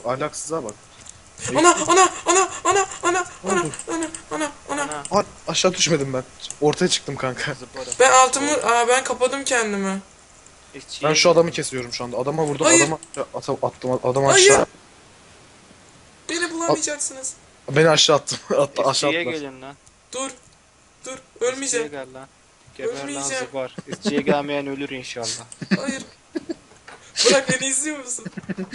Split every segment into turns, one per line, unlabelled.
Ahlaksıza bak.
Ana.
Aşağı düşmedim ben. Ortaya çıktım kanka.
Ben kapadım kendimi.
Ben şu adamı kesiyorum şu anda. Adama vurdum,
Hayır.
attım, adamı
Hayır.
aşağı.
Beni bulamayacaksınız.
Beni aşağı attım. Aşağı
İşçiye
attılar.
gelin lan.
Dur.
İşçiye
Ölmeyeceğim.
gel lan. Geber lan
Ölmeyeceğim.
zıbar. İşçiye gelmeyen ölür inşallah.
Hayır. Bırak, beni izliyor musun?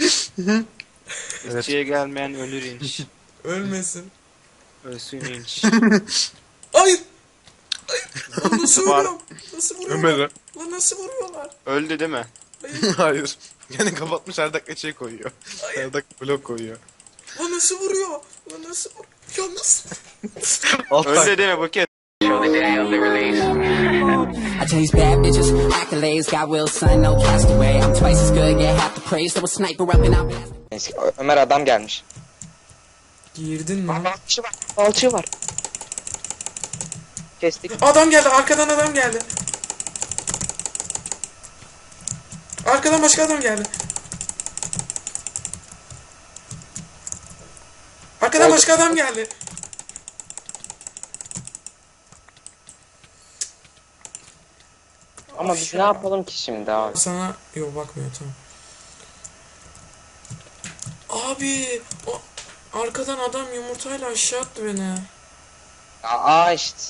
Evet.
İşçiye gelmeyen ölür inş.
Ölmesin.
Ölsün inş.
Hayır. Lan nasıl
Zıbar.
vuruyorum? Nasıl vuruyorlar?
Ömer'e.
Lan nasıl vuruyorlar?
Öldü değil mi?
Hayır.
Hayır. Yani kapatmış, her dakika şey koyuyor. Her dakika blok koyuyor.
Lan nasıl vuruyor? Lan nasıl vuruyor? Ya nasıl?
Öldü değil mi Buket?
I chase bad bitches, accolades, got Wilson, no castaway. I'm twice as good, get half the praise. Throw a sniper up and I'll blast.
Neyse, Ömer adam gelmiş.
Girdin mi?
Alçı var. Alçı var. Kestik.
Adam geldi, arkadan adam geldi. Arkadan başka adam geldi. Arkadan
Oldu.
başka adam geldi.
Ama biz ne yapalım ki şimdi abi?
Sana yok, bakmıyor, tamam. Abi o arkadan adam yumurtayla aşağı attı beni.
Aa işte.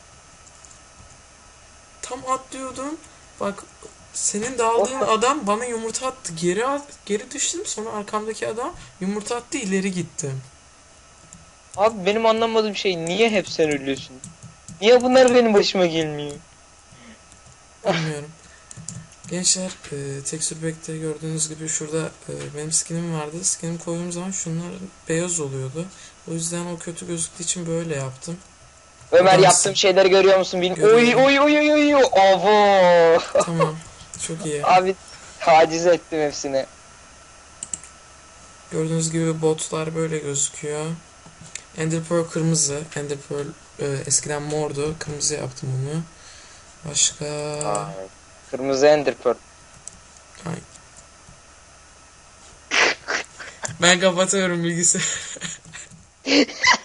Tam atlıyordum. Bak, senin daldığın adam bana yumurta attı. Geri düştüm, sonra arkamdaki adam yumurta attı, ileri gittim.
Abi benim anlamadığım şey, niye hep sen ölüyorsun? Niye bunlar benim başıma gelmiyor?
Bilmiyorum. Gençler, Texture Pack'te gördüğünüz gibi şurada benim skinim vardı. Skinim koyduğum zaman şunlar beyaz oluyordu. O yüzden o kötü gözüktüğü için böyle yaptım.
Ömer,
Adamsın.
yaptığım şeyleri görüyor musun? Oy oy oy oy oy oy. Avo.
Tamam. Çok iyi.
Abi taciz ettim hepsini.
Gördüğünüz gibi botlar böyle gözüküyor. Ender Pearl kırmızı. Ender Pearl eskiden mordu. Kırmızı yaptım onu. Başka...
Ay, kırmızı Ender Pearl.
Ay. Ben kapatıyorum bilgisayarı.